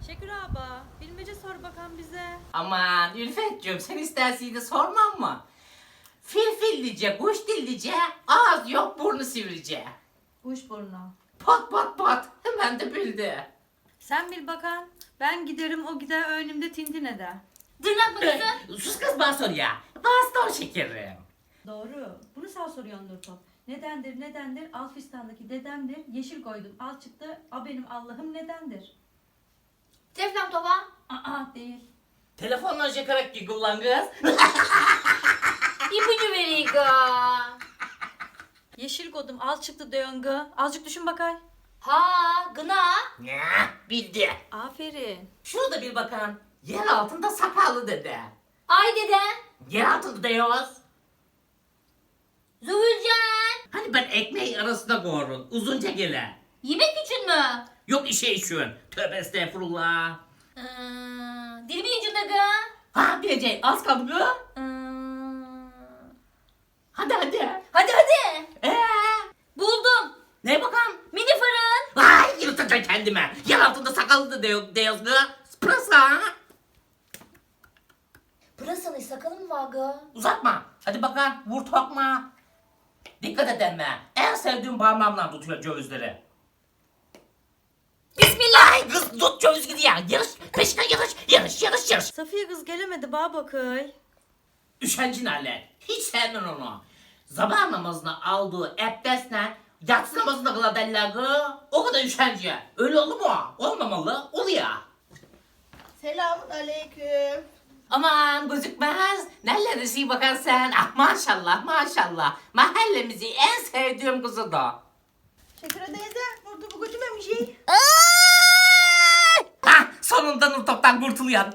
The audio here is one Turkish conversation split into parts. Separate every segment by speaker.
Speaker 1: Şekür abla, bilmece sor bakalım bize.
Speaker 2: Aman Ülfetciğim sen istersin de sormam mı? Fil fillice, kuş dillice, ağız yok burnu sivrice.
Speaker 1: Kuş burnu.
Speaker 2: Pat pat pat hemen de bildi.
Speaker 1: Sen bil bakalım. Ben giderim, o gider önümde tintin eder.
Speaker 3: Tırnak makası.
Speaker 2: Sus kız bana sor ya. Bastır şekerim.
Speaker 1: Doğru. Bunu sağ soruyordur top. Nedendir? Al fistandaki dedemdir. Yeşil koydum, al çıktı. A benim Allah'ım nedendir?
Speaker 3: Teflon tova.
Speaker 1: Aa değil.
Speaker 2: Telefonla şakarak ki kullan kız.
Speaker 3: İpucu vereyim ga.
Speaker 1: Yeşil koydum, al çıktı döngü. Azıcık düşün bakay.
Speaker 3: Ha gına.
Speaker 2: Ne? Bildi.
Speaker 1: Aferin.
Speaker 2: Şunu da bir bakan. Yer altında sakallı dede.
Speaker 3: Ay dede.
Speaker 2: Yer altında diyoruz.
Speaker 3: Zühülcen.
Speaker 2: Hani ben ekmeği arasına koyarım. Uzunca gele.
Speaker 3: Yemek için mi?
Speaker 2: Yok işe işin. Tövbe estağfurullah.
Speaker 3: Dilimin ucunda ga.
Speaker 2: Ha bileceğim az kaldı kız. Hadi hadi.
Speaker 3: Hadi hadi. Buldum.
Speaker 2: Ne bakalım?
Speaker 3: Mini fırın.
Speaker 2: Ay yırtacağım kendime. Yer altında sakallı da diyoruz kız. Pırasa.
Speaker 3: Pırasanın sakalı mı var ga?
Speaker 2: Uzatma. Hadi bakalım vur tokma. Dikkat et emme. En sevdiğim parmağımla tutuyor cövizleri.
Speaker 3: Bismillah.
Speaker 2: Ay kız tut ceviz gidiyor. Yarış. Peşine yarış.
Speaker 1: Safiye kız gelemedi bana bakay.
Speaker 2: Üşencin hale. Hiç sevmem onu. Sabah namazına aldığı abdestle yatsı namazına kıla derler kız. O kadar üşenci. Öyle olur mu? Olmamalı. Oluyor.
Speaker 4: Selamun aleyküm.
Speaker 2: Aman gözükmez. Nerelerdesin bakan sen? Ah maşallah. Mahallemizi en sevdiğim kızı da.
Speaker 4: Şekere teyze, burada bu götürmem bir şey.
Speaker 2: Hah sonunda Nurtop'tan kurtuluyor.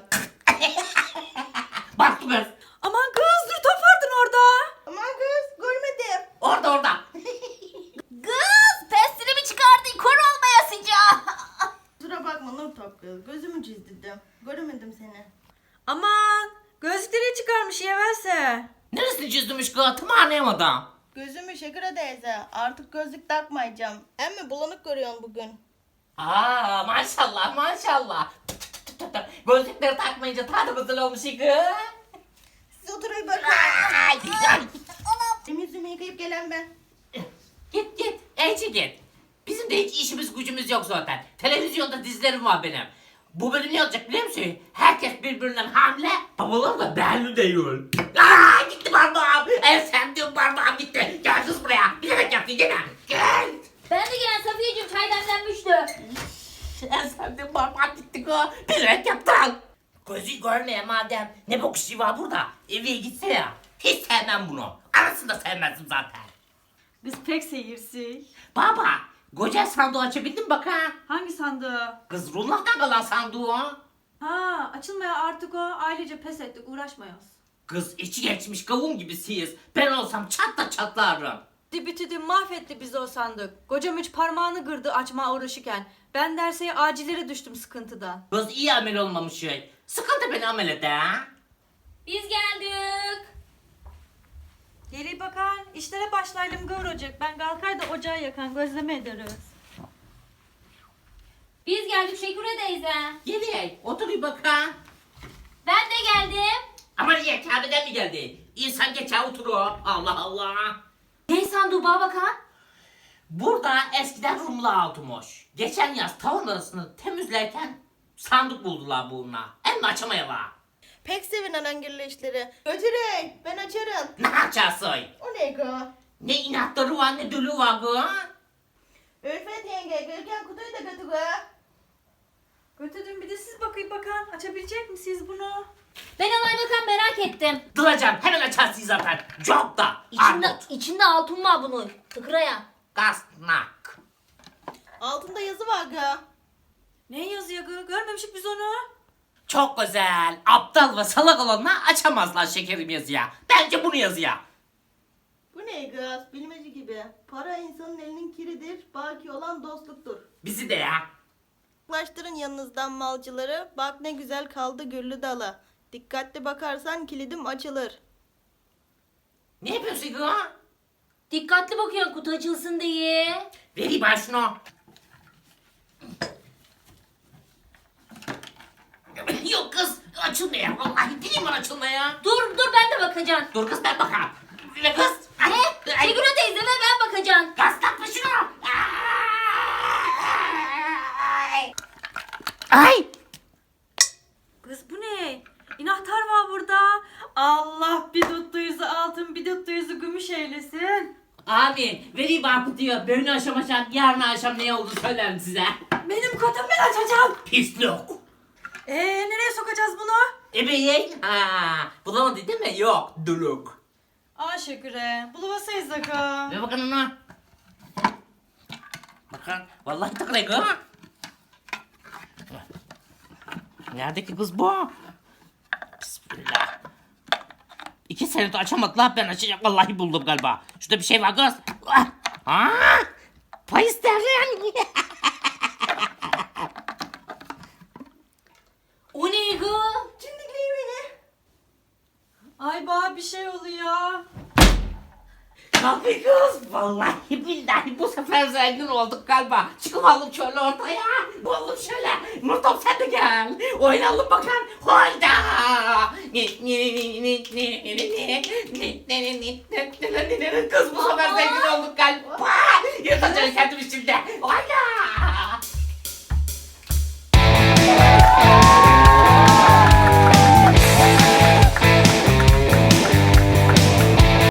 Speaker 2: Bak kız.
Speaker 1: Aman kız dur, top vardın orada.
Speaker 4: Aman kız, görmedim.
Speaker 2: Orada.
Speaker 3: Kız pestini mi çıkardın? Kor olmayasınca.
Speaker 4: Kusura bakma Nurtop kız, gözümü çizdirdim. Göremedim seni.
Speaker 1: Aman gözlükleri çıkarmış yeverse.
Speaker 2: Neresini çizdmiş kız? Tam anlayamadım.
Speaker 4: Gözümü Şekere teyze, artık gözlük takmayacağım. Emmi bulanık görüyorsun bugün.
Speaker 2: Aa maşallah. Gözlükleri takmayınca tadı güzel olmuş kız.
Speaker 4: Siz oturayım bakın.
Speaker 2: Ay.
Speaker 4: Benim yüzümü yıkayıp gelen ben.
Speaker 2: Git. Ece git. Bizim de hiç işimiz gücümüz yok zaten. Televizyonda dizilerim var benim. Bu bölüm ne olacak biliyor musun? Herkes birbirinden hamile. Babalar da belli değil. Aa gitti parmağım. En sevdiğim parmağım gitti. Gel kız buraya. Bilerek yaptın gene. Gel.
Speaker 3: Ben de gelen Safiyeciğim çay demlenmişti.
Speaker 2: En sevdiğim parmağım gitti kız. Bilerek yaptın. Gözü görmeye madem. Ne bok işi var burada? Eve gitse ya. Hiç sevmem bunu. Arasında sevmezdim zaten.
Speaker 1: Kız pek seyirsi.
Speaker 2: Baba. Koca sandığı açabildin mi bak ha?
Speaker 1: Hangi sandığı?
Speaker 2: Kız rullahtan kalan sandığı o.
Speaker 1: Ha açılmaya artık o. Ailece pes ettik, uğraşmayız.
Speaker 2: Kız içi geçmiş kavun gibisiyiz. Ben olsam çatlarım.
Speaker 1: Dibitidi mahvetti bizi o sandık. Kocam üç parmağını kırdı açma uğraşırken. Ben derseye acillere düştüm sıkıntıdan.
Speaker 2: Kız iyi amel olmamış şey. Sıkıntı beni amel ede ha.
Speaker 3: Biz geldik.
Speaker 1: Geri bakan işlere başlayalım kıvıracak. Ben kalkar da ocağı yakan gözleme ederiz.
Speaker 3: Biz geldik Şekure teyze.
Speaker 2: Gel otur bir bak ha.
Speaker 3: Ben de geldim.
Speaker 2: Ama niye Kabe'den mi geldi? İnsan geçer oturur. Allah.
Speaker 3: Ne sandığı bana bakan?
Speaker 2: Burada eskiden Rumlu altınmış. Geçen yaz tavan arasını temizlerken sandık buldular bununla. Hem de açamayalar.
Speaker 4: Pek sevin anangirli işleri. Götürün, ben açarım.
Speaker 2: Ne açarsın?
Speaker 4: O ne kız?
Speaker 2: Ne inatları var ne dölü var kız.
Speaker 4: Ülfet yenge, Gülken kutuyu da götür kız.
Speaker 1: Götürdüm bir de siz bakayım bakan. Açabilecek misiniz bunu?
Speaker 3: Ben alay bakan merak ettim.
Speaker 2: Duracan hemen açarsın zaten. Çok da.
Speaker 3: İçinde altın var bunun. Tıkıraya.
Speaker 2: Kasnak.
Speaker 4: Altında yazı var kız.
Speaker 1: Ne yazıyor kız? Görmemişik biz onu.
Speaker 2: Çok güzel. Aptal ve salak olanlar açamazlar şekerim yazıya. Bence bunu yazıya.
Speaker 4: Bu ne kız? Bilmece gibi. Para insanın elinin kiridir, baki olan dostluktur.
Speaker 2: Bizi de ya.
Speaker 4: Yaklaştırın yanınızdan malcıları, bak ne güzel kaldı güllü dalı. Dikkatli bakarsan kilidim açılır.
Speaker 2: Ne yapıyorsun kız?
Speaker 3: Dikkatli bakıyorsun kutu açılsın diye.
Speaker 2: Vereyim ben şunu. Açılmıyor. Vallahi dilim var açılmaya.
Speaker 3: Dur ben de bakacağım.
Speaker 2: Dur kız ben bakarım. Ve kız.
Speaker 3: Ne? Şegül teyze ve ben bakacağım.
Speaker 2: Gazlatma şunu. Ay.
Speaker 1: Kız bu ne? İnahtar var burada. Allah bir tuttuyuzu altın bir tuttuyuzu gümüş eylesin.
Speaker 2: Abi vereyim bak diyor. Bugün akşam yarın akşam ne oldu söylerim size.
Speaker 1: Benim kodum ben açacağım.
Speaker 2: Pislik.
Speaker 1: Nereye sokacağız bunu?
Speaker 2: Ebeğin. Bulamadın değil mi? Yok. Duluk.
Speaker 1: Aa Şeküre. Buluvasayız zaka.
Speaker 2: Ve bakın ona. Bakın. Vallahi tıklayın ha. Nerede ki kız bu? Bismillah. 2 senedir açamadılar ben açacağım. Vallahi buldum galiba. Şurada bir şey var kız. Pay isterim.
Speaker 3: O ne gı?
Speaker 1: Cindikleyi beni. Ay bana bir şey oluyor.
Speaker 2: Tabii kız. Vallahi billahi bu sefer zengin olduk galiba. Çıkalım şöyle ortaya. Bulalım şöyle. Murtom sen de gel. Oynayalım bakalım. Hayda. Kız bu sefer zengin olduk galiba. Yırtacağım kendimi şimdi. Ay.